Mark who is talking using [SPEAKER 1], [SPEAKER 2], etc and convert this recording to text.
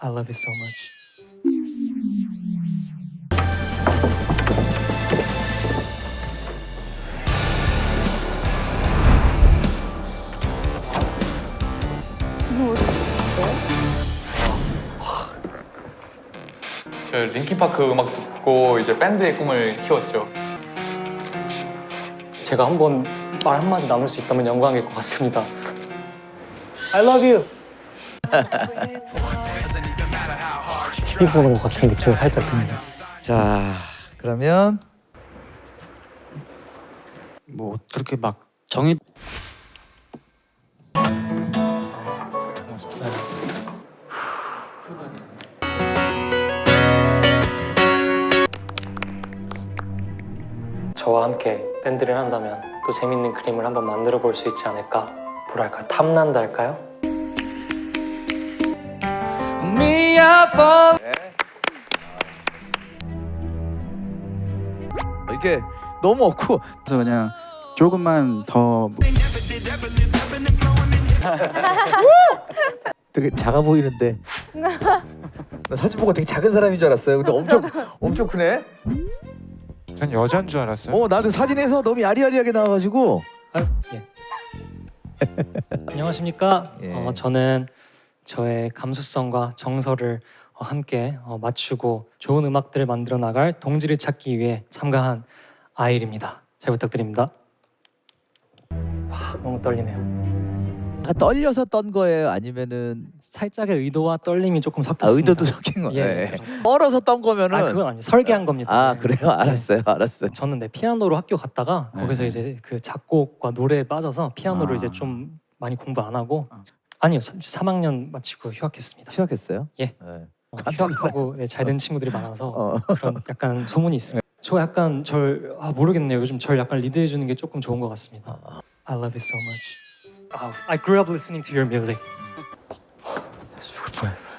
[SPEAKER 1] I love you so much.
[SPEAKER 2] 그 링킨파크 음악 듣고 이제 밴드의 꿈을 키웠죠.
[SPEAKER 1] 제가 한번 말 한마디 나눌 수 있다면 영광일 것 같습니다. I love you. TV 보는 것 같은 느낌이 살짝 듭니다.
[SPEAKER 3] 자, 그러면
[SPEAKER 4] 뭐 그렇게 막 정해
[SPEAKER 1] 저와 함께 밴드를 한다면 또 재밌는 그림을 한번 만들어 볼 수 있지 않을까? 뭐랄까 탐난다 할까요?
[SPEAKER 3] 이게 너무 없고
[SPEAKER 5] 그래서 그냥 조금만 더
[SPEAKER 3] 되게 작아 보이는데 나 사진 보고 되게 작은 사람인 줄 알았어요. 근데 엄청 크네.
[SPEAKER 5] 전 여잔 줄 알았어요.
[SPEAKER 3] 나도 사진에서 너무 야리야리하게 나와가지고.
[SPEAKER 1] 아유, 예. 안녕하십니까?
[SPEAKER 3] 예.
[SPEAKER 1] 저는 저의 감수성과 정서를 함께 맞추고 좋은 음악들을 만들어 나갈 동지를 찾기 위해 참가한 아일입니다. 잘 부탁드립니다. 와, 너무 떨리네요.
[SPEAKER 3] 약간 떨려서 떤 거예요? 아니면은
[SPEAKER 1] 살짝의 의도와 떨림이 조금 섞였습니다.
[SPEAKER 3] 의도도 섞인 거예요?
[SPEAKER 1] 예,
[SPEAKER 3] 예.
[SPEAKER 1] 그렇습니다.
[SPEAKER 3] 떨어서 떤 거면은
[SPEAKER 1] 그건 아니에요. 설계한 겁니다.
[SPEAKER 3] 아
[SPEAKER 1] 네.
[SPEAKER 3] 그래요? 알았어요. 알았어요.
[SPEAKER 1] 저는 피아노로 학교 갔다가 거기서 이제 그 작곡과 노래에 빠져서 피아노를 이제 좀 많이 공부 안 하고 아니요 3학년 마치고 휴학했습니다.
[SPEAKER 3] 휴학했어요?
[SPEAKER 1] 예.
[SPEAKER 3] 네.
[SPEAKER 1] 휴학하고 잘 된 친구들이 많아서
[SPEAKER 3] 어.
[SPEAKER 1] 그런 약간 소문이 있습니다. 저 약간 모르겠네요. 요즘 절 약간 리드해 주는 게 조금 좋은 것 같습니다. I love you so much. I grew up listening to your music. 죽을 뻔했어.